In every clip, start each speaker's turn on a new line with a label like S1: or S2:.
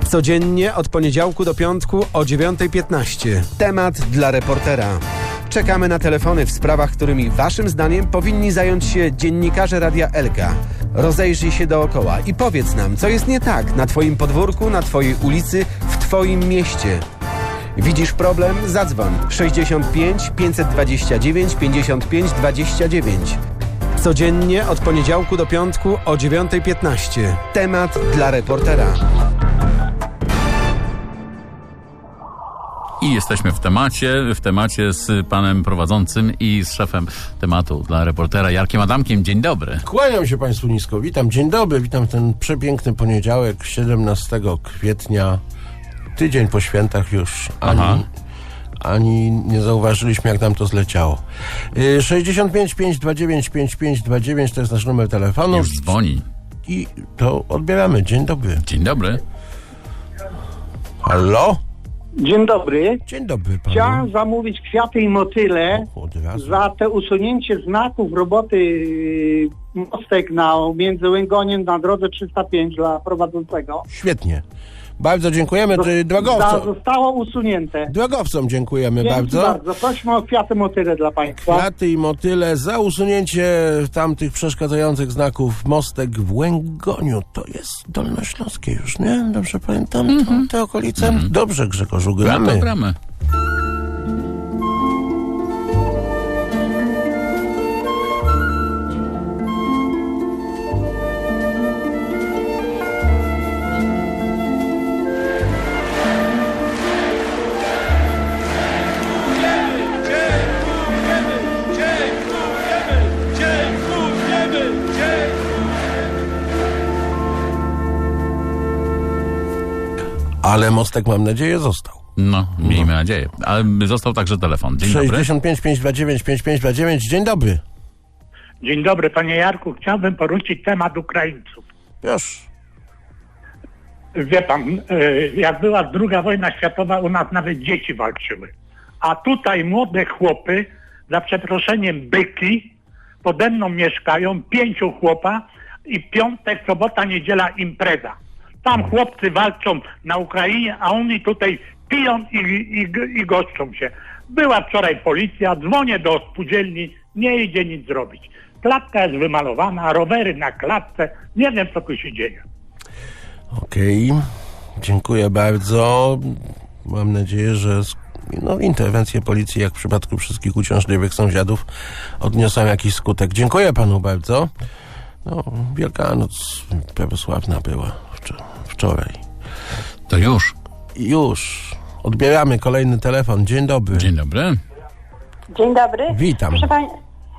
S1: Codziennie od poniedziałku do piątku o 9:15. Temat dla reportera. Czekamy na telefony w sprawach, którymi waszym zdaniem powinni zająć się dziennikarze Radia Elka. Rozejrzyj się dookoła i powiedz nam, co jest nie tak na twoim podwórku, na twojej ulicy, w twoim mieście. Widzisz problem? Zadzwoń 65 529 55 29. Codziennie od poniedziałku do piątku o 9:15. Temat dla reportera.
S2: I jesteśmy w temacie z panem prowadzącym i z szefem tematu dla reportera Jarkiem Adamkiem. Dzień dobry.
S3: Kłaniam się państwu nisko. Witam, dzień dobry. Witam ten przepiękny poniedziałek, 17 kwietnia. Tydzień po świętach już. Ani nie zauważyliśmy, jak nam to zleciało. 65 529 5529 to jest nasz numer telefonu.
S2: Już dzwoni.
S3: I to odbieramy. Dzień dobry.
S2: Dzień dobry.
S3: Halo?
S4: Dzień dobry.
S3: Dzień dobry panu.
S4: Chciałem zamówić kwiaty i motyle za te usunięcie znaków roboty mostek między Łęgoniem na drodze 305 dla prowadzącego.
S3: Świetnie. Bardzo dziękujemy.
S4: Zostało usunięte.
S3: Drogowcom dziękujemy bardzo.
S4: Bardzo. Prosimy o kwiaty motyle dla państwa.
S3: Kwiaty i motyle za usunięcie tamtych przeszkadzających znaków mostek w Łęgoniu. To jest dolnośląskie już, nie? Dobrze pamiętam te okolice? Dobrze, Grzegorzu, gramy.
S2: Gramy.
S3: Ale mostek, mam nadzieję, został.
S2: No, miejmy nadzieję. Ale został także telefon. Dzień dobry.
S3: 65 529 5529. Dzień dobry.
S5: Dzień dobry, panie Jarku. Chciałbym poruszyć temat Ukraińców.
S3: Już.
S5: Wie pan, jak była II wojna światowa, u nas nawet dzieci walczyły. A tutaj młode chłopy, za przeproszeniem byki, pode mną mieszkają, 5 chłopa i piątek, sobota, niedziela impreza. Tam chłopcy walczą na Ukrainie, a oni tutaj piją i goszczą się. Była wczoraj policja, dzwonię do spółdzielni, nie idzie nic zrobić. Klatka jest wymalowana, rowery na klatce, nie wiem, co tu się dzieje.
S3: Okej, dziękuję bardzo. Mam nadzieję, że interwencje policji, jak w przypadku wszystkich uciążliwych sąsiadów, odniosą jakiś skutek. Dziękuję panu bardzo. Wielkanoc prawosławna była wczoraj.
S2: To już.
S3: Już. Odbieramy kolejny telefon. Dzień dobry.
S2: Dzień dobry.
S6: Dzień dobry.
S3: Witam.
S6: Proszę pani,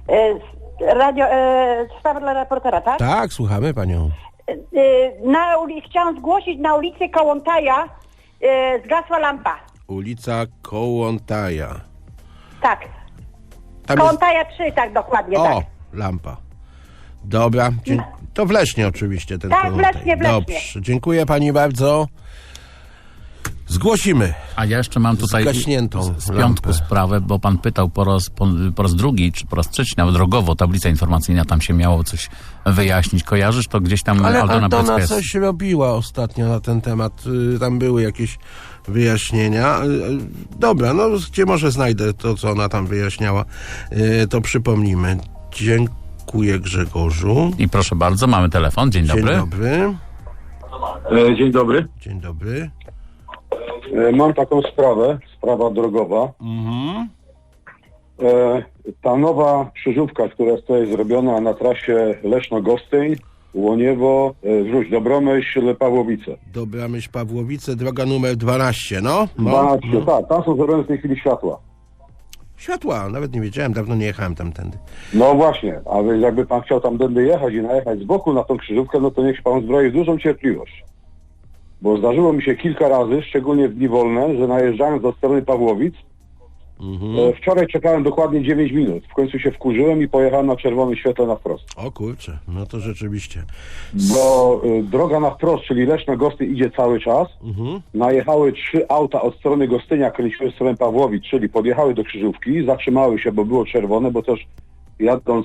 S6: sprawa dla reportera, tak?
S3: Tak, słuchamy panią.
S6: Chciałam zgłosić na ulicy Kołątaja zgasła lampa.
S3: Ulica Kołątaja.
S6: Tak. Kołątaja 3, tak dokładnie, tak.
S3: Lampa. Dobra. To w Lesznie oczywiście ten
S6: Tak,
S3: Kołątaj.
S6: w Lesznie.
S3: Dobrze. Dziękuję pani bardzo. Zgłosimy.
S2: A ja jeszcze mam tutaj z piątku sprawę, bo pan pytał po raz drugi, czy po raz trzeci, nawet drogowo, tablica informacyjna, tam się miało coś wyjaśnić. Kojarzysz to gdzieś tam?
S3: Ale
S2: Aldona
S3: Aldona coś robiła ostatnio na ten temat. Tam były jakieś wyjaśnienia. Dobra, gdzie może znajdę to, co ona tam wyjaśniała, to przypomnimy. Dziękuję, Grzegorzu.
S2: I proszę bardzo, mamy telefon. Dzień dobry.
S3: Dzień dobry.
S7: Dzień dobry.
S3: Dzień dobry.
S7: Mam taką sprawa drogowa. Ta nowa krzyżówka, która jest zrobiona na trasie Leszno-Gostyń, Łoniewo, Dobromyśl, Pawłowice.
S3: Dobromyśl, Pawłowice, droga numer 12,
S7: 12, tak, tam są zrobione w tej chwili światła.
S3: Światła, nawet nie wiedziałem, dawno nie jechałem tamtędy.
S7: No właśnie, a więc jakby pan chciał tamtędy jechać i najechać z boku na tą krzyżówkę, no to niech się pan zbroi w dużą cierpliwość. Bo zdarzyło mi się kilka razy, szczególnie w dni wolne, że najeżdżając do strony Pawłowic, wczoraj czekałem dokładnie 9 minut. W końcu się wkurzyłem i pojechałem na czerwonym świetle na wprost.
S3: O kurczę, no to rzeczywiście.
S7: Bo droga na wprost, czyli Leszno-Gostyń idzie cały czas. Najechały 3 auta od strony Gostynia, kręciły w stronę Pawłowic, czyli podjechały do krzyżówki, zatrzymały się, bo było czerwone, bo też jadąc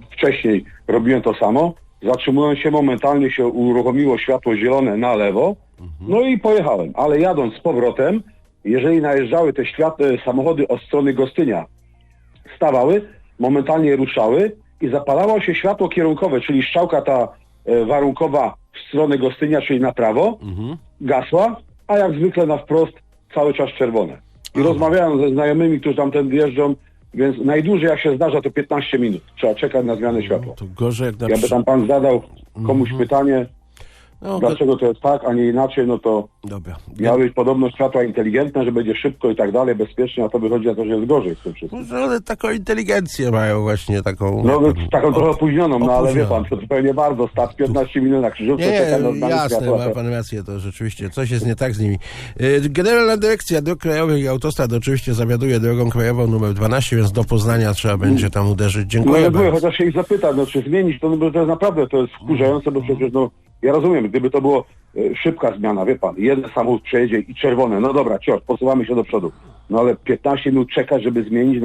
S7: wcześniej robiłem to samo. Zatrzymując się, momentalnie się uruchomiło światło zielone na lewo No i pojechałem, ale jadąc z powrotem, jeżeli najeżdżały te samochody od strony Gostynia, stawały, momentalnie ruszały i zapalało się światło kierunkowe, czyli strzałka ta warunkowa w stronę Gostynia, czyli na prawo, gasła, a jak zwykle na wprost cały czas czerwone. I rozmawiałem ze znajomymi, którzy tamtędy jeżdżą, więc najdłużej jak się zdarza to 15 minut. Trzeba czekać na zmianę światła.
S3: To gorzej jak
S7: Jakby tam pan zadał komuś pytanie, dlaczego to jest tak, a nie inaczej, no to miały być podobno światła inteligentne, że będzie szybko i tak dalej, bezpiecznie, a to wychodzi na to, że jest gorzej z tym wszystkim.
S3: Może one taką inteligencję mają właśnie, taką...
S7: No taką trochę opóźnioną, no ale wie pan, to zupełnie bardzo, start 15 minut na krzyżówce, czeka na zmianę
S3: jasne,
S7: światła.
S3: ma pan rację, to rzeczywiście coś jest nie tak z nimi. Generalna Dyrekcja Dróg Krajowych i Autostrad oczywiście zawiaduje drogą krajową numer 12, więc do Poznania trzeba będzie tam uderzyć. Dziękuję bardzo.
S7: Chociaż się ich zapytać, czy zmienić to, bo to jest naprawdę, to jest wkurzające, bo przecież ja rozumiem, gdyby to było szybka zmiana, wie pan, jeden samochód przejedzie i czerwone, no dobra, posuwamy się do przodu. No ale 15 minut czekać, żeby zmienić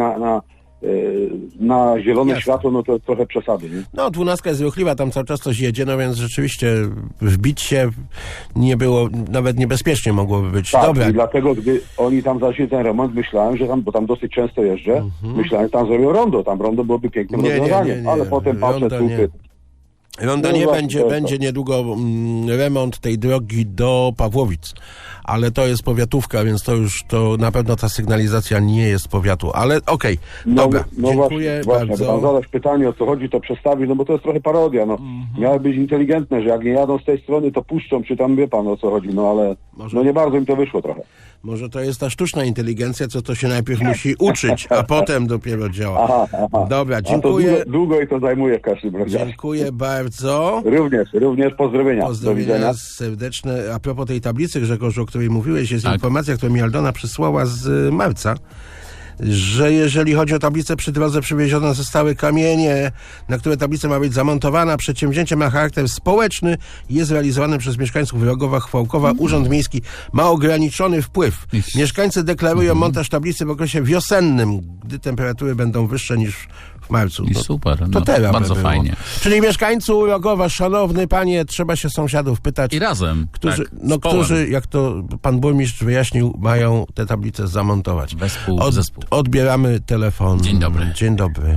S7: na zielone światło, no to jest trochę przesady, nie?
S3: No, 12 jest ruchliwa, tam cały czas coś jedzie, no więc rzeczywiście wbić się nie było, nawet niebezpiecznie mogłoby być.
S7: Tak,
S3: dobra.
S7: I dlatego, gdy oni tam zaczęli ten remont, myślałem, że tam, bo tam dosyć często jeżdżę, myślałem, że tam zrobią rondo, tam rondo byłoby pięknym rozwiązaniem, ale potem patrzę,
S3: Ronda nie będzie niedługo remont tej drogi do Pawłowic, ale to jest powiatówka, więc to na pewno ta sygnalizacja nie jest powiatu, ale okej, dobra, dziękuję bardzo.
S7: Tam zadać pytanie, o co chodzi, to przestawić, no bo to jest trochę parodia, miały być inteligentne, że jak nie jadą z tej strony, to puszczą, czy tam wie pan, o co chodzi, no ale nie bardzo im to wyszło trochę.
S3: Może to jest ta sztuczna inteligencja, co to się najpierw musi uczyć, a potem dopiero działa. Dobra, dziękuję.
S7: To długo i to zajmuje w każdym razie.
S3: Dziękuję bardzo.
S7: Również pozdrowienia.
S3: Pozdrowienia serdeczne. A propos tej tablicy, Grzegorzu, o której mówiłeś, jest informacja, którą mi Aldona przysłała z marca, że jeżeli chodzi o tablicę przy drodze, przywiezione zostały kamienie, na które tablica ma być zamontowana. Przedsięwzięcie ma charakter społeczny i jest realizowane przez mieszkańców Rogowa, Chwałkowa. Urząd Miejski ma ograniczony wpływ. Mieszkańcy deklarują montaż tablicy w okresie wiosennym, gdy temperatury będą wyższe niż w marcu.
S2: I super,
S3: to teraz
S2: bardzo fajnie.
S3: Czyli mieszkańcu Rogowa, szanowny panie, trzeba się sąsiadów pytać.
S2: I razem.
S3: Którzy, jak to pan burmistrz wyjaśnił, mają te tablice zamontować.
S2: Zespół.
S3: Odbieramy telefon.
S2: Dzień dobry.
S3: Dzień dobry.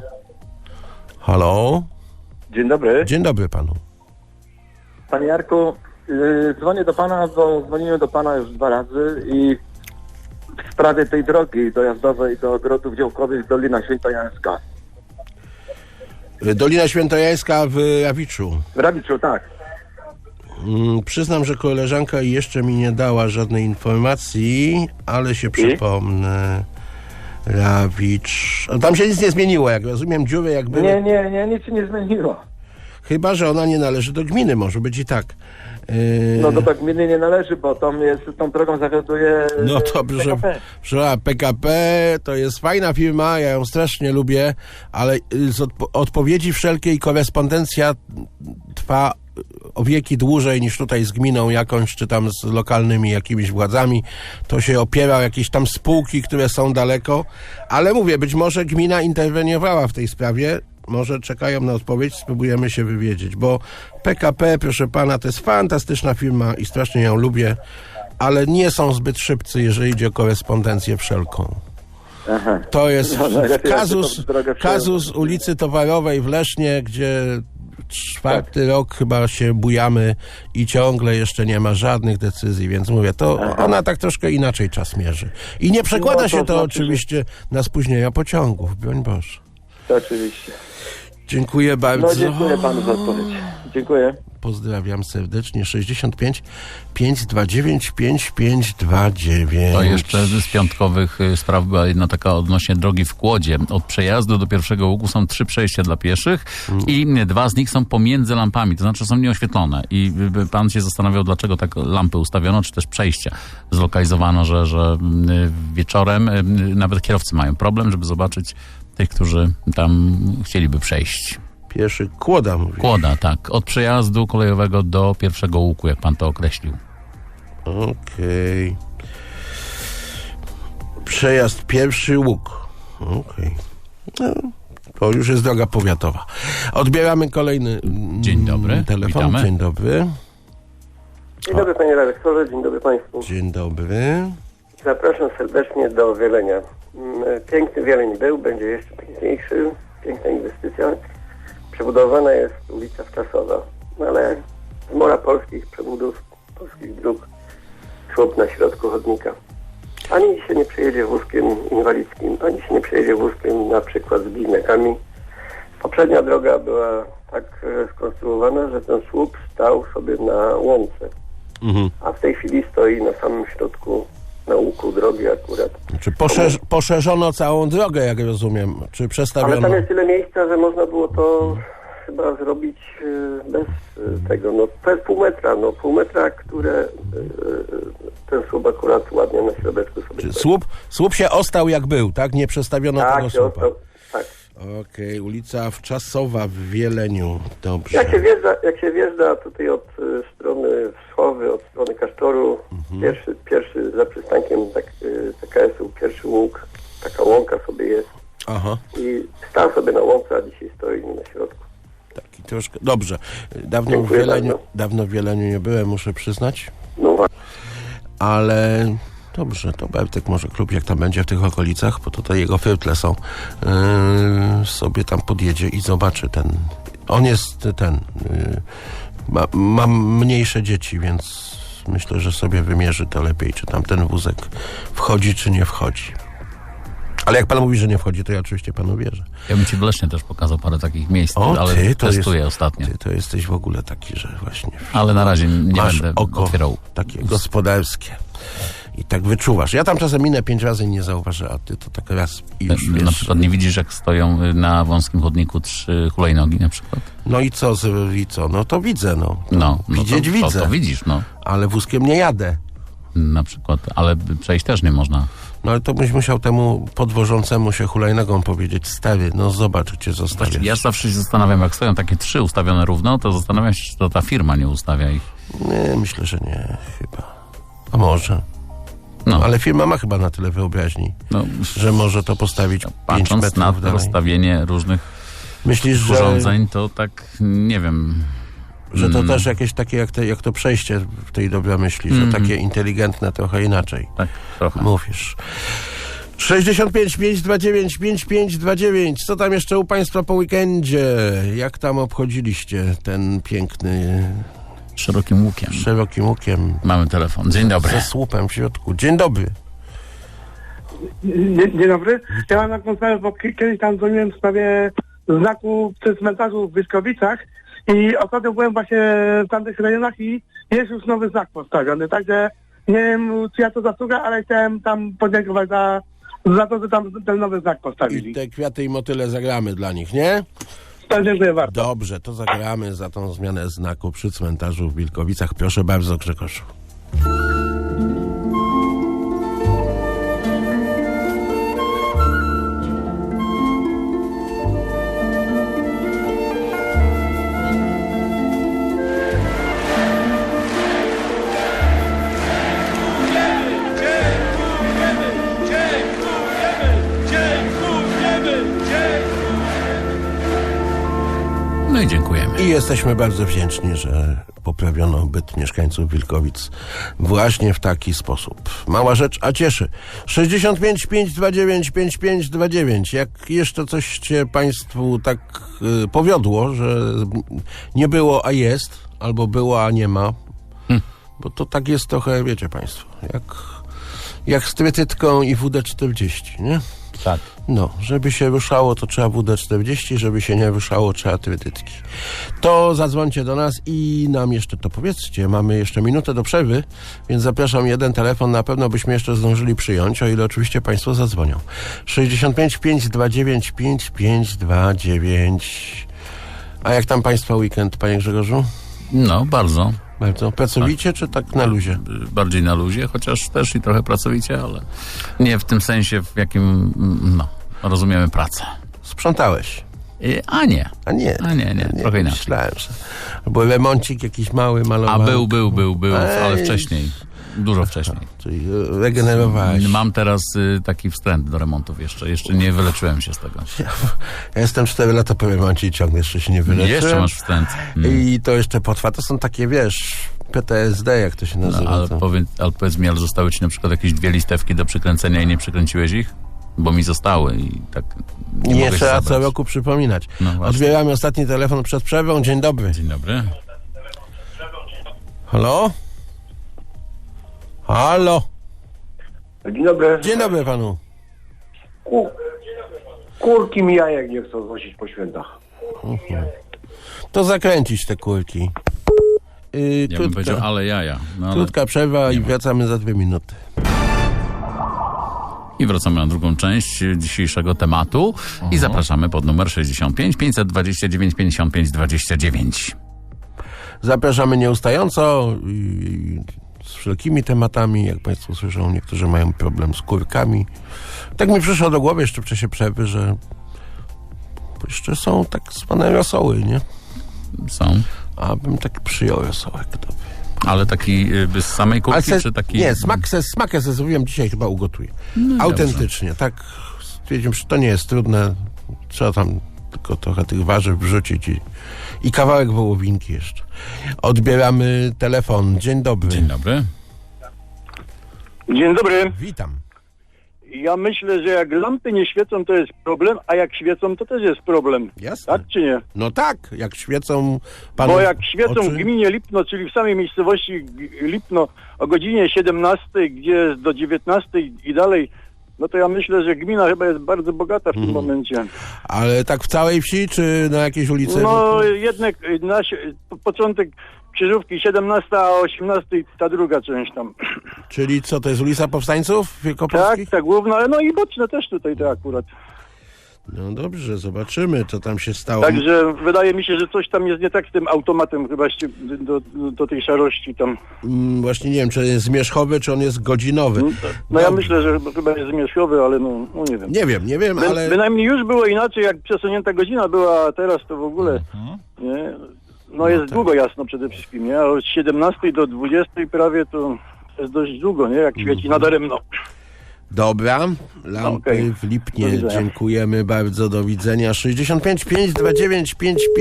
S3: Halo?
S8: Dzień dobry.
S3: Dzień dobry panu.
S8: Panie Jarku, dzwonię do pana, bo dzwoniłem do pana już 2 razy i w sprawie tej drogi dojazdowej do ogrodów działkowych Dolina Świętojańska.
S3: Dolina Świętojańska w Rawiczu.
S8: W Rawiczu, tak.
S3: Przyznam, że koleżanka jeszcze mi nie dała żadnej informacji, ale się przypomnę. Rawicz. Tam się nic nie zmieniło, jak rozumiem, dziury jak były.
S8: Nie, nic się nie zmieniło.
S3: Chyba że ona nie należy do gminy, może być i tak.
S8: No do gminy nie należy, bo tą drogą zawiaduje
S3: no to PKP to jest fajna firma, ja ją strasznie lubię, ale z odpowiedzi wszelkiej korespondencja trwa o wieki dłużej niż tutaj z gminą jakąś, czy tam z lokalnymi jakimiś władzami. To się opiera o jakieś tam spółki, które są daleko, ale mówię, być może gmina interweniowała w tej sprawie. Może czekają na odpowiedź, spróbujemy się wywiedzieć, bo PKP, proszę pana, to jest fantastyczna firma i strasznie ją lubię, ale nie są zbyt szybcy, jeżeli idzie o korespondencję wszelką.
S8: Aha.
S3: To jest kazus ulicy Towarowej w Lesznie, gdzie 4. rok chyba się bujamy i ciągle jeszcze nie ma żadnych decyzji, więc mówię, to ona tak troszkę inaczej czas mierzy. I nie przekłada się to oczywiście na spóźnienia pociągów, broń Boże.
S8: To oczywiście.
S3: Dziękuję bardzo.
S8: No dziękuję panu za odpowiedź. Dziękuję.
S3: Pozdrawiam serdecznie. 65 529 5529.
S2: To jeszcze z piątkowych spraw była jedna taka odnośnie drogi w Kłodzie. Od przejazdu do pierwszego łuku są 3 przejścia dla pieszych i 2 z nich są pomiędzy lampami, to znaczy są nieoświetlone. I pan się zastanawiał, dlaczego tak lampy ustawiono, czy też przejścia. Zlokalizowano, że wieczorem nawet kierowcy mają problem, żeby zobaczyć tych, którzy tam chcieliby przejść.
S3: Pieszy Kłoda, mówisz?
S2: Kłoda, tak. Od przejazdu kolejowego do pierwszego łuku, jak pan to określił.
S3: Okej. Przejazd pierwszy łuk. Okej. No, to już jest droga powiatowa. Odbieramy kolejny
S2: Dzień dobry.
S3: telefon.
S2: Witamy.
S3: Dzień dobry.
S9: Dzień dobry panie redaktorze, dzień dobry państwu.
S3: Dzień dobry.
S9: Zapraszam serdecznie do Wielenia. Piękny Wieleń był, będzie jeszcze piękniejszy, piękna inwestycja. Przebudowana jest ulica Wczasowa, no ale z mora polskich przebudów, polskich dróg, słup na środku chodnika. Ani się nie przejedzie wózkiem inwalidzkim, ani się nie przejedzie wózkiem na przykład z bliźniakami. Poprzednia droga była tak skonstruowana, że ten słup stał sobie na łące. A w tej chwili stoi na samym środku, na łuku drogi akurat.
S3: Czy poszerzono całą drogę, jak rozumiem? Czy przestawiono?
S9: Ale tam jest tyle miejsca, że można było to chyba zrobić bez tego. No to jest pół metra, które ten słup akurat ładnie na środeczku sobie...
S3: Czy słup się ostał jak był, tak? Nie przestawiono tego słupa.
S9: Ostał, tak.
S3: Okej, ulica Wczasowa w Wieleniu. Dobrze.
S9: Jak się wjeżdża tutaj od strony Wschowy, od strony Kasztoru, pierwszy za przystankiem TKS-u, pierwszy łuk, taka łąka sobie jest.
S3: Aha.
S9: I stał sobie na łące, a dzisiaj stoi na środku.
S3: Taki troszkę. Dobrze. Dawno w Wieleniu nie byłem, muszę przyznać.
S9: No właśnie.
S3: Ale dobrze, to Bertek może klub, jak tam będzie w tych okolicach, bo tutaj jego firtle są, sobie tam podjedzie i zobaczy ten. On jest ma mniejsze dzieci, więc myślę, że sobie wymierzy to lepiej, czy tam ten wózek wchodzi, czy nie wchodzi. Ale jak pan mówi, że nie wchodzi, to ja oczywiście panu wierzę.
S2: Ja bym ci w Lesznie też pokazał parę takich miejsc, ale testuję ostatnio.
S3: Ty to jesteś w ogóle taki, że właśnie...
S2: Ale na razie nie będę
S3: oko
S2: otwierał.
S3: Takie gospodarskie. I tak wyczuwasz. Ja tam czasem minę 5 razy i nie zauważę, a ty to tak raz i już wiesz.
S2: Na przykład nie widzisz, jak stoją na wąskim chodniku 3 hulajnogi na przykład?
S3: No i co? No to widzę, Widzieć
S2: to,
S3: widzę.
S2: To widzisz, no.
S3: Ale wózkiem nie jadę.
S2: Na przykład, ale przejść też nie można.
S3: No ale to byś musiał temu podwożącemu się hulajnogą powiedzieć: stary, no zobacz, gdzie zostawiasz.
S2: Ja zawsze się zastanawiam, jak stoją takie 3 ustawione równo, to zastanawiam się, czy to ta firma nie ustawia ich.
S3: Nie, myślę, że nie, chyba. A może. No, ale firma ma chyba na tyle wyobraźni, że może to postawić 5
S2: patrząc
S3: metrów
S2: na
S3: dalej.
S2: rozstawienie różnych urządzeń, to tak nie wiem.
S3: Że to też jakieś takie, jak to przejście w tej Dobromyśli, że takie inteligentne trochę inaczej.
S2: Tak, trochę.
S3: Mówisz. 65 529 5529. Co tam jeszcze u państwa po weekendzie? Jak tam obchodziliście ten piękny...
S2: Szerokim łukiem. Mamy telefon. Dzień dobry.
S3: Ze słupem w środku. Dzień dobry.
S10: Dzień dobry. Ja mam taką sprawę, bo kiedyś tam dzwoniłem w sprawie znaku przy cmentarzu w Wyszkowicach i ostatnio byłem właśnie w tamtych rejonach i jest już nowy znak postawiony, także nie wiem, czyja to zasługa, ale chciałem tam podziękować za to, że tam ten nowy znak postawili.
S3: I te kwiaty i motyle zagramy dla nich, nie?
S10: Dziękuję bardzo.
S3: Dobrze, to zagramy za tą zmianę znaku przy cmentarzu w Wilkowicach. Proszę bardzo, Grzegorzu.
S2: No i dziękujemy.
S3: I jesteśmy bardzo wdzięczni, że poprawiono byt mieszkańców Wilkowic właśnie w taki sposób. Mała rzecz, a cieszy. 65 529 5529. Jak jeszcze coś cię państwu tak powiodło, że nie było, a jest, albo było, a nie ma, bo to tak jest trochę, wiecie państwo, jak z trytytką i WD-40, nie?
S2: Tak.
S3: No, żeby się ruszało, to trzeba WD-40, żeby się nie ruszało, trzeba trytytki. To zadzwońcie do nas i nam jeszcze to powiedzcie. Mamy jeszcze minutę do przerwy, więc zapraszam, jeden telefon na pewno byśmy jeszcze zdążyli przyjąć, o ile oczywiście państwo zadzwonią. 65 529 5529. A jak tam państwa weekend, panie Grzegorzu?
S2: No, bardzo.
S3: Bardzo. Pracowicie, czy tak na luzie?
S2: Bardziej na luzie, chociaż też i trochę pracowicie, ale nie w tym sensie, w jakim, rozumiemy pracę.
S3: Sprzątałeś?
S2: A nie, trochę inaczej.
S3: Myślałem, że... Bo remoncik jakiś mały, malowany.
S2: A był, ale wcześniej. Dużo wcześniej.
S3: Czyli regenerowałeś.
S2: Mam teraz taki wstręt do remontów jeszcze. Jeszcze nie wyleczyłem się z tego.
S3: Ja jestem 4 lata po remoncie i ciągle jeszcze się nie wyleczyłem.
S2: Jeszcze masz wstręt.
S3: I to jeszcze potrwa. To są takie, wiesz, PTSD, jak to się nazywa.
S2: Ale powiedz mi, ale zostały ci na przykład jakieś 2 listewki do przykręcenia i nie przykręciłeś ich? Bo mi zostały i tak
S3: nie
S2: mogę
S3: trzeba
S2: się
S3: co roku przypominać.
S2: No
S3: Odbieramy ostatni telefon przed przerwą. Dzień dobry.
S2: Dzień dobry.
S3: Halo? Halo?
S11: Dzień dobry.
S3: Dzień dobry panu.
S11: Kurki mi jajek nie chcą znosić po świętach.
S3: To zakręcić te kurki.
S2: Ja bym powiedział, ale jaja. No, ale
S3: krótka przerwa i wracamy za 2 minuty.
S2: I wracamy na drugą część dzisiejszego tematu i zapraszamy pod numer 65 529 55 29.
S3: Zapraszamy nieustająco z wszelkimi tematami. Jak państwo słyszą, niektórzy mają problem z kurkami. Tak mi przyszło do głowy jeszcze w czasie przerwy, że jeszcze są tak zwane rosoły, nie?
S2: Są.
S3: A bym tak przyjął rosołek.
S2: Ale taki z samej kurki, czy taki...
S3: Nie, smakę ze zrobiłem, dzisiaj chyba ugotuję. No autentycznie, dobrze. Tak stwierdziłem, że to nie jest trudne. Trzeba tam tylko trochę tych warzyw wrzucić i kawałek wołowinki jeszcze. Odbieramy telefon. Dzień dobry.
S2: Dzień dobry.
S12: Dzień dobry.
S3: Witam.
S12: Ja myślę, że jak lampy nie świecą, to jest problem, a jak świecą, to też jest problem.
S3: Jasne.
S12: Tak czy nie?
S3: No tak, jak świecą panu
S12: Bo jak świecą
S3: oczy...
S12: w gminie Lipno, czyli w samej miejscowości Lipno o godzinie 17, gdzie jest do 19 i dalej, no to ja myślę, że gmina chyba jest bardzo bogata w tym momencie.
S3: Ale tak w całej wsi, czy na jakiejś ulicy?
S12: No jednak początek krzyżówki 17, a 18 ta druga część tam.
S3: Czyli co, to jest ulica Powstańców Wielkopolskich?
S12: Tak, główna, no i boczne też tutaj to akurat.
S3: No dobrze, zobaczymy, co tam się stało.
S12: Także wydaje mi się, że coś tam jest nie tak z tym automatem chyba do tej szarości tam.
S3: Właśnie nie wiem, czy jest zmierzchowy, czy on jest godzinowy.
S12: No ja myślę, że chyba jest zmierzchowy, ale no nie wiem.
S3: Nie wiem, ale...
S12: Bynajmniej już było inaczej, jak przesunięta godzina była, a teraz to w ogóle... Nie? No jest długo jasno przede wszystkim, nie? A od 17 do 20 prawie to jest dość długo, nie? Jak świeci nadaremno.
S3: Dobra, lampy w Lipnie, dziękujemy bardzo, do widzenia. 65 529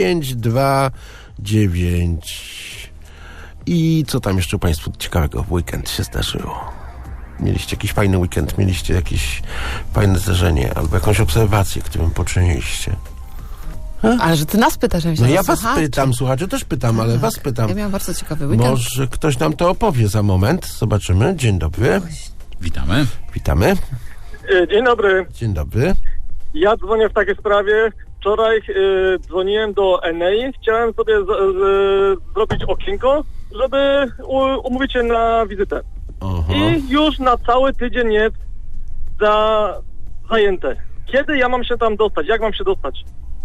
S3: 5529. I co tam jeszcze państwu ciekawego w weekend się zdarzyło? Mieliście jakiś fajny weekend, mieliście jakieś fajne zdarzenie albo jakąś obserwację, którą poczyniliście?
S13: Ale że ty nas pytasz,
S3: no ja was pytam, słuchacze też pytam, ale was pytam.
S13: Ja miałam bardzo ciekawy weekend.
S3: Może ktoś nam to opowie za moment. Zobaczymy. Dzień dobry.
S2: Witamy.
S3: Witamy.
S14: Dzień dobry.
S3: Dzień dobry.
S14: Ja dzwonię w takiej sprawie. Wczoraj dzwoniłem do Enei. Chciałem sobie zrobić okienko, żeby umówić się na wizytę.
S3: Aha.
S14: I już na cały tydzień jest zajęte. Kiedy ja mam się tam dostać? Jak mam się dostać?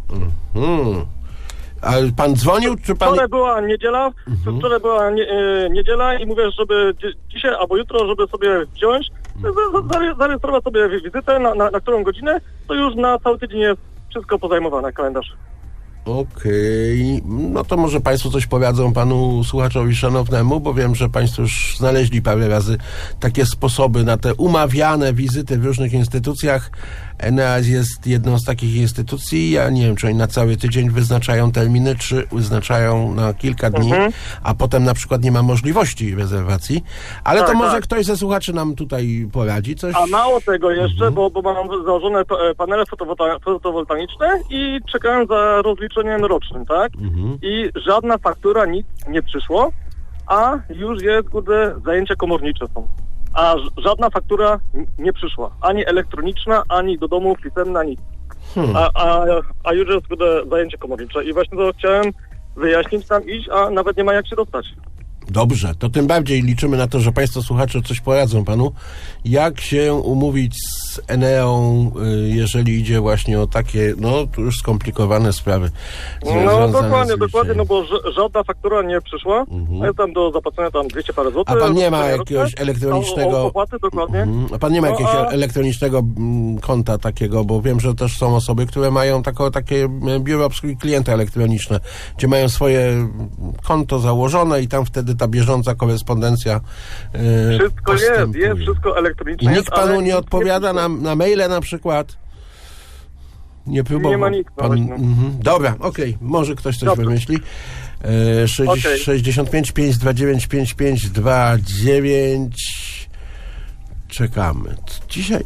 S3: A pan dzwonił, czy pan...
S14: Wczoraj była niedziela, niedziela i mówię, żeby dzisiaj albo jutro, żeby sobie wziąć, zarejestrować sobie wizytę, na którą godzinę, to już na cały tydzień jest wszystko pozajmowane, kalendarz.
S3: Okej. No to może państwo coś powiedzą panu słuchaczowi szanownemu, bo wiem, że państwo już znaleźli parę razy takie sposoby na te umawiane wizyty w różnych instytucjach. Eneas jest jedną z takich instytucji. Ja nie wiem, czy oni na cały tydzień wyznaczają terminy, czy wyznaczają na kilka dni, a potem na przykład nie ma możliwości rezerwacji. Ale to może ktoś ze słuchaczy nam tutaj poradzi coś.
S14: A mało tego jeszcze, bo mam założone panele fotowoltaiczne i czekałem za rozliczeniem rocznym, tak? I żadna faktura, nic nie przyszło, a już jest, zajęcia komornicze są. A żadna faktura nie przyszła. Ani elektroniczna, ani do domu pisemna, nic. A już jest zajęcie komornicze. I właśnie to chciałem wyjaśnić, tam iść, a nawet nie ma jak się dostać.
S3: Dobrze, to tym bardziej liczymy na to, że państwo słuchacze coś poradzą panu. Jak się umówić z Eneą, jeżeli idzie właśnie o takie, no tu już skomplikowane sprawy.
S14: No dokładnie, no bo żadna faktura nie przyszła. A jest tam do zapłacenia tam 200 parę złotych.
S3: A pan nie ma jakiegoś elektronicznego...
S14: Opłaty, dokładnie.
S3: A pan nie ma jakiegoś elektronicznego konta takiego, bo wiem, że też są osoby, które mają takie biuro obsługi klienta elektroniczne, gdzie mają swoje konto założone i tam wtedy ta bieżąca korespondencja
S14: wszystko jest wszystko elektroniczne.
S3: I nikt panu nie odpowiada na maile na przykład? Nie próbował.
S14: Nie ma nikt.
S3: Dobra, okej. Może ktoś coś wymyśli. 65 529 5529. Czekamy. Dzisiaj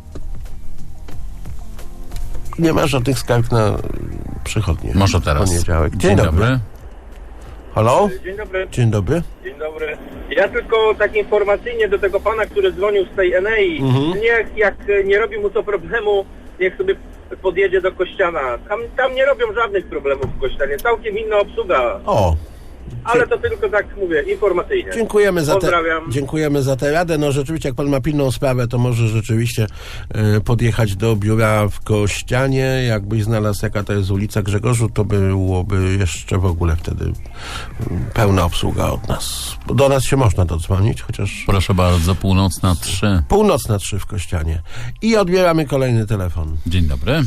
S3: nie ma żadnych skarg na przychodnie.
S2: Może teraz.
S3: Poniedziałek.
S2: Dzień dobry.
S3: Halo?
S15: Dzień dobry.
S3: Dzień dobry.
S15: Dzień dobry. Ja tylko tak informacyjnie do tego pana, który dzwonił z tej Enei, niech jak nie robi mu to problemu, niech sobie podjedzie do Kościana. Tam nie robią żadnych problemów w Kościanie. Całkiem inna obsługa.
S3: O.
S15: Ale to tylko tak mówię, informacyjnie.
S3: Dziękujemy za tę radę. No rzeczywiście, jak pan ma pilną sprawę, to może rzeczywiście podjechać do biura w Kościanie. Jakbyś znalazł, jaka to jest ulica Grzegorzu, to byłoby jeszcze w ogóle wtedy pełna obsługa od nas. Do nas się można dodzwonić, chociaż...
S2: Proszę bardzo, północna 3.
S3: Północna 3 w Kościanie. I odbieramy kolejny telefon.
S2: Dzień dobry.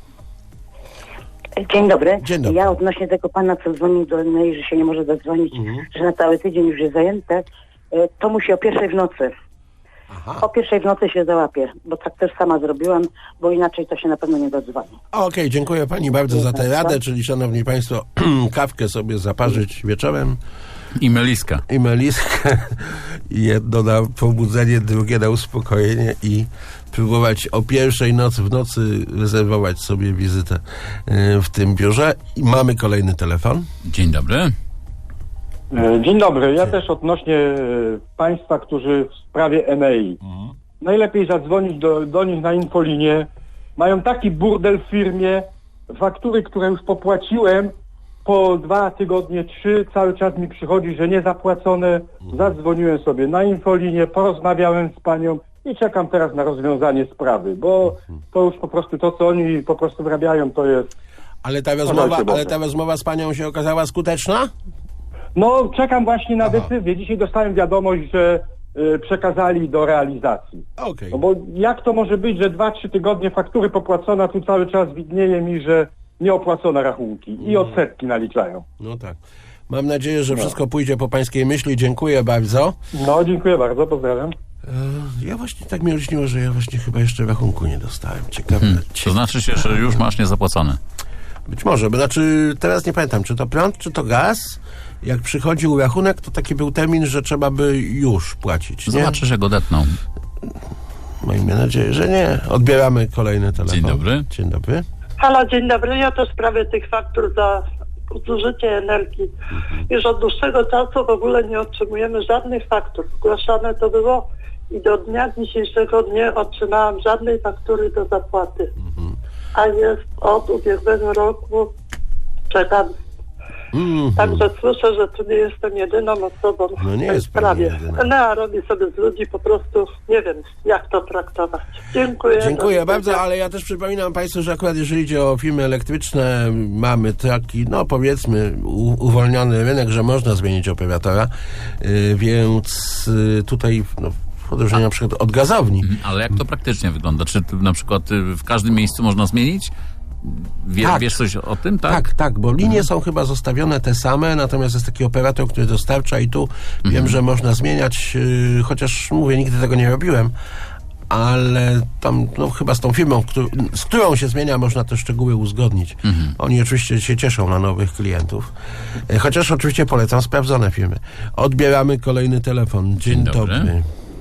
S16: Dzień dobry.
S3: Dzień dobry.
S16: Ja odnośnie tego pana, co dzwonił do mnie, że się nie może zadzwonić, że na cały tydzień już jest zajęte, to musi o 1:00 w nocy.
S3: Aha.
S16: O 1:00 w nocy się załapie, bo tak też sama zrobiłam, bo inaczej to się na pewno nie dodzwoni.
S3: Okej, dziękuję pani bardzo za tę radę, czyli szanowni państwo, kawkę sobie zaparzyć wieczorem.
S2: I meliskę.
S3: Jedno na pobudzenie, drugie na uspokojenie i próbować o 1:00 w nocy rezerwować sobie wizytę w tym biurze. I mamy kolejny telefon.
S2: Dzień dobry.
S17: Dzień dobry. Ja też odnośnie państwa, którzy w sprawie Enei. Najlepiej zadzwonić do nich na infolinię. Mają taki burdel w firmie. Faktury, które już popłaciłem, po 2 tygodnie, 3, cały czas mi przychodzi, że niezapłacone. Zadzwoniłem sobie na infolinię, porozmawiałem z panią i czekam teraz na rozwiązanie sprawy, bo to już po prostu to, co oni po prostu wrabiają, to jest...
S3: Ale ta rozmowa z panią się okazała skuteczna?
S17: No, czekam właśnie na decyzję. Dzisiaj dostałem wiadomość, że przekazali do realizacji.
S3: Okay.
S17: No bo jak to może być, że 2-3 tygodnie faktury popłacone, a tu cały czas widnieje mi, że nieopłacone rachunki i odsetki naliczają.
S3: No tak. Mam nadzieję, że wszystko pójdzie po pańskiej myśli. Dziękuję bardzo.
S17: No, dziękuję bardzo. Pozdrawiam.
S3: Ja właśnie tak mi olśniło, że ja właśnie chyba jeszcze rachunku nie dostałem. Ciekawe.
S2: To znaczy się, że już masz niezapłacone.
S3: Być może, bo znaczy teraz nie pamiętam, czy to prąd, czy to gaz. Jak przychodził rachunek, to taki był termin, że trzeba by już płacić.
S2: Zobaczysz, jak odetną.
S3: Miejmy nadzieję, że nie. Odbieramy kolejny telefon.
S2: Dzień dobry.
S3: Dzień dobry.
S18: Halo, dzień dobry. Ja to w sprawie tych faktur za zużycie energii. Już od dłuższego czasu w ogóle nie otrzymujemy żadnych faktur. Zgłaszane to było i do dnia dzisiejszego nie otrzymałam żadnej faktury do zapłaty. A jest od ubiegłego roku, czekam. Także słyszę, że tu nie jestem jedyną osobą w tej sprawie. Enea robi sobie z ludzi po prostu, nie wiem jak to traktować. Dziękuję.
S3: Dziękuję bardzo, ale ja też przypominam państwu, że akurat jeżeli idzie o firmy elektryczne, mamy taki, no powiedzmy, uwolniony rynek, że można zmienić operatora, więc tutaj w odróżnieniu na przykład od gazowni.
S2: Ale jak to praktycznie wygląda? Czy na przykład w każdym miejscu można zmienić? Wiesz coś o tym, tak?
S3: Tak, bo linie są chyba zostawione te same, natomiast jest taki operator, który dostarcza i tu wiem, że można zmieniać, chociaż mówię, nigdy tego nie robiłem, ale tam chyba z tą firmą, z którą się zmienia, można te szczegóły uzgodnić. Oni oczywiście się cieszą na nowych klientów, chociaż oczywiście polecam sprawdzone firmy. Odbieramy kolejny telefon. Dzień dobry.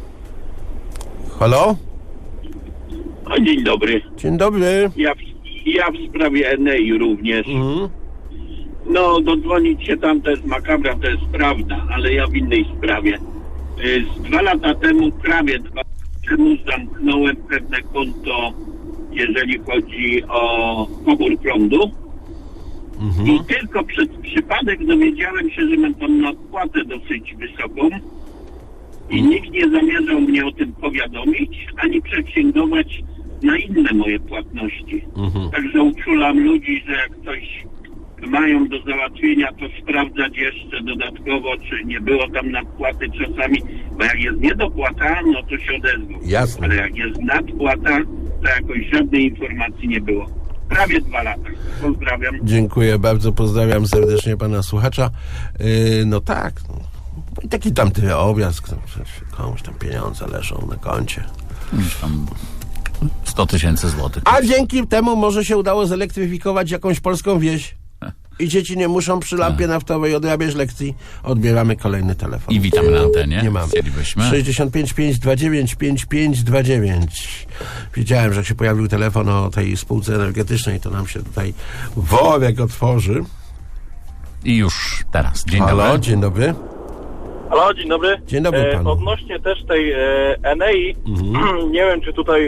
S3: Halo?
S19: Dzień dobry.
S3: Dzień dobry.
S19: Ja w sprawie Enei również. No, dodzwonić się tam to jest makabra, to jest prawda, ale ja w innej sprawie. Z 2 lata temu, prawie 2 lata temu zamknąłem pewne konto, jeżeli chodzi o pobór prądu. I tylko przez przypadek dowiedziałem się, że mam tam nadpłatę dosyć wysoką i nikt nie zamierzał mnie o tym powiadomić, ani przeksięgować na inne moje płatności. Także uczulam ludzi, że jak coś mają do załatwienia, to sprawdzać jeszcze dodatkowo, czy nie było tam nadpłaty czasami, bo jak jest niedopłata, no to się odezwą.
S3: Jasne.
S19: Ale jak jest nadpłata, to jakoś żadnej informacji nie było. Prawie 2 lata. Pozdrawiam.
S3: Dziękuję bardzo, pozdrawiam serdecznie pana słuchacza. No tak, i taki tamty obraz, komuś tam pieniądze leżą na koncie.
S2: Tam 100 000 złotych.
S3: A dzięki temu może się udało zelektryfikować jakąś polską wieś. I dzieci nie muszą przy lampie naftowej odrabiać lekcji. Odbieramy kolejny telefon.
S2: I witamy na antenie.
S3: Nie mamy. 65 529 5529. Wiedziałem, że jak się pojawił telefon o tej spółce energetycznej, to nam się tutaj worek otworzy.
S2: I już teraz. Dzień
S3: Halo,
S2: dobry.
S3: dzień dobry.
S14: Halo, dzień dobry.
S3: Dzień dobry panu.
S14: Odnośnie też tej Enei, nie wiem, czy tutaj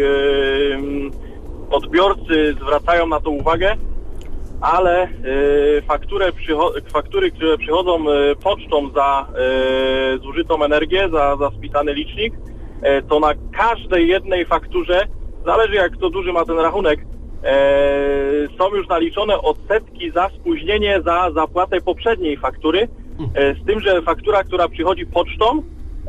S14: odbiorcy zwracają na to uwagę, ale faktury, które przychodzą pocztą za zużytą energię, za spisany licznik, to na każdej jednej fakturze, zależy jak kto duży ma ten rachunek, są już naliczone odsetki za spóźnienie, za zapłatę poprzedniej faktury, z tym, że faktura, która przychodzi pocztą,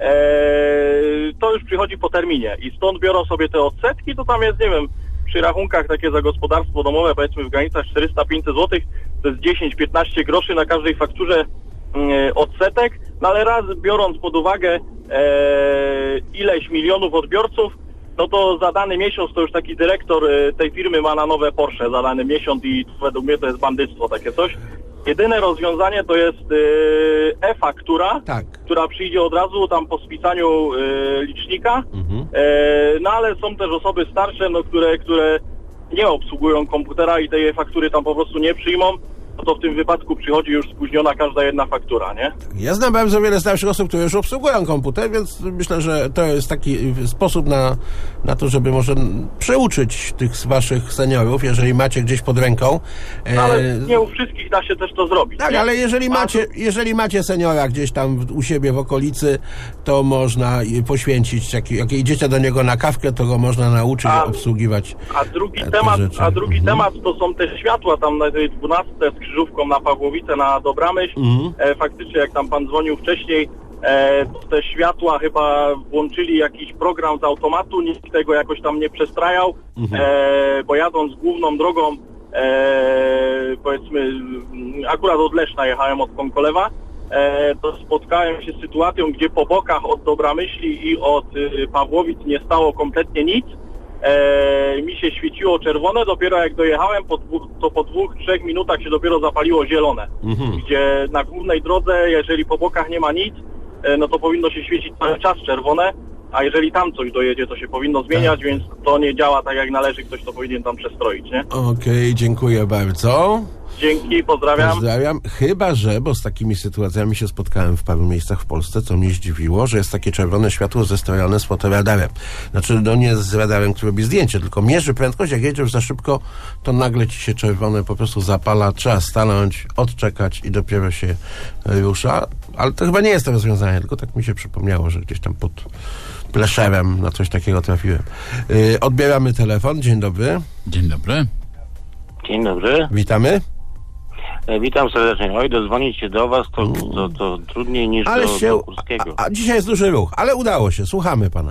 S14: to już przychodzi po terminie i stąd biorą sobie te odsetki, to tam jest, nie wiem, przy rachunkach takie za gospodarstwo domowe, powiedzmy w granicach 400-500 zł, to jest 10-15 groszy na każdej fakturze odsetek, no ale raz biorąc pod uwagę ileś milionów odbiorców, no to za dany miesiąc to już taki dyrektor tej firmy ma na nowe Porsche za dany miesiąc i według mnie to jest bandyctwo, takie coś. Jedyne rozwiązanie to jest e-faktura, która przyjdzie od razu tam po spisaniu licznika, no ale są też osoby starsze, no, które nie obsługują komputera i tej e-faktury tam po prostu nie przyjmą, no to w tym wypadku przychodzi już spóźniona każda jedna faktura, nie?
S3: Ja znam bardzo wiele starszych osób, które już obsługują komputer, więc myślę, że to jest taki sposób na to, żeby może przeuczyć tych waszych seniorów, jeżeli macie gdzieś pod ręką.
S14: No, ale nie u wszystkich da się też to zrobić.
S3: Tak, nie? Ale jeżeli macie seniora gdzieś tam u siebie w okolicy, to można poświęcić, jak idziecie do niego na kawkę, to go można nauczyć obsługiwać.
S14: A drugi temat to są te światła tam na tej 12 z krzyżówką na Pawłowicę, na Dobramyśl. Faktycznie jak tam pan dzwonił wcześniej, to te światła chyba włączyli jakiś program z automatu, nikt tego jakoś tam nie przestrajał, bo jadąc główną drogą, powiedzmy, akurat od Leszna jechałem od Konkolewa, to spotkałem się z sytuacją, gdzie po bokach od Dobramyśli i od Pawłowic nie stało kompletnie nic. Mi się świeciło czerwone, dopiero jak dojechałem, to po 2-3 minutach się dopiero zapaliło zielone. Gdzie na głównej drodze, jeżeli po bokach nie ma nic, no to powinno się świecić cały czas czerwone, a jeżeli tam coś dojedzie, to się powinno zmieniać, więc to nie działa tak jak należy, ktoś to powinien tam przestroić, nie?
S3: Okej, dziękuję bardzo.
S14: Dzięki, pozdrawiam.
S3: Pozdrawiam. Chyba że, bo z takimi sytuacjami się spotkałem w paru miejscach w Polsce, co mnie zdziwiło, że jest takie czerwone światło zestrojone z fotoradarem. Znaczy, no nie z radarem, który robi zdjęcie, tylko mierzy prędkość, jak jedziesz za szybko, to nagle ci się czerwone po prostu zapala, trzeba stanąć, odczekać i dopiero się rusza. Ale to chyba nie jest to rozwiązanie, tylko tak mi się przypomniało, że gdzieś tam pod Pleszewem na coś takiego trafiłem. Odbieramy telefon. Dzień dobry.
S2: Dzień dobry.
S20: Dzień dobry.
S3: Witamy.
S20: Witam serdecznie. Oj, dodzwonić się do was to trudniej niż do Kurskiego.
S3: A dzisiaj jest duży ruch, ale udało się. Słuchamy pana.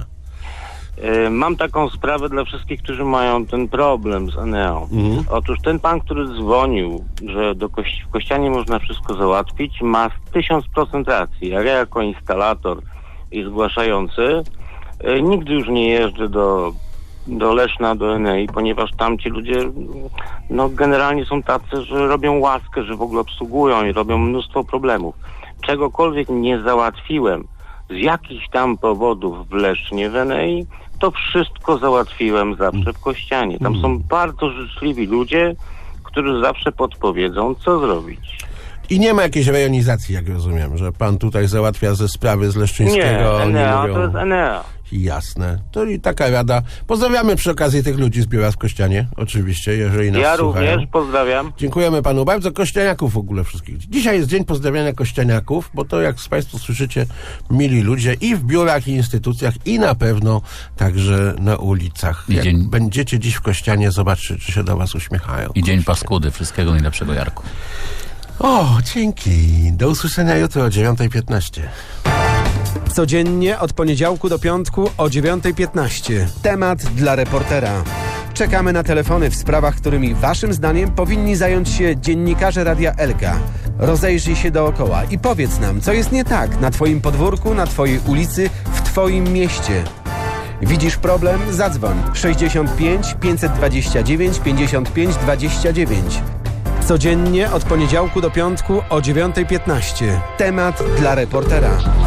S20: Mam taką sprawę dla wszystkich, którzy mają ten problem z Eneą. Otóż ten pan, który dzwonił, że w Kościanie można wszystko załatwić, ma 1000% racji. Ja jako instalator i zgłaszający nigdy już nie jeżdżę do Leszna, do Enei, ponieważ tam ci ludzie no generalnie są tacy, że robią łaskę, że w ogóle obsługują i robią mnóstwo problemów. Czegokolwiek nie załatwiłem z jakichś tam powodów w Lesznie, w Enei, to wszystko załatwiłem zawsze w Kościanie. Tam są bardzo życzliwi ludzie, którzy zawsze podpowiedzą, co zrobić.
S3: I nie ma jakiejś rejonizacji, jak rozumiem, że pan tutaj załatwia ze sprawy z Leszczyńskiego.
S20: Nie, Enea, to jest Enea.
S3: Jasne. To i taka rada. Pozdrawiamy przy okazji tych ludzi z biura w Kościanie, oczywiście, jeżeli nas słuchają.
S20: Ja również pozdrawiam.
S3: Dziękujemy panu bardzo. Kościaniaków w ogóle wszystkich. Dzisiaj jest dzień pozdrawiania kościaniaków, bo to, jak państwo słyszycie, mili ludzie i w biurach, i instytucjach, i na pewno także na ulicach. Jak będziecie dziś w Kościanie, zobaczcie, czy się do was uśmiechają.
S2: I dzień paskudy. Wszystkiego najlepszego, Jarku.
S3: O, dzięki. Do usłyszenia jutro o 9:15.
S1: Codziennie od poniedziałku do piątku o 9:15. Temat dla reportera. Czekamy na telefony w sprawach, którymi waszym zdaniem powinni zająć się dziennikarze Radia Elka. Rozejrzyj się dookoła i powiedz nam, co jest nie tak na twoim podwórku, na twojej ulicy, w twoim mieście. Widzisz problem? Zadzwoń 65 529 55 29. Codziennie od poniedziałku do piątku o 9:15. Temat dla reportera.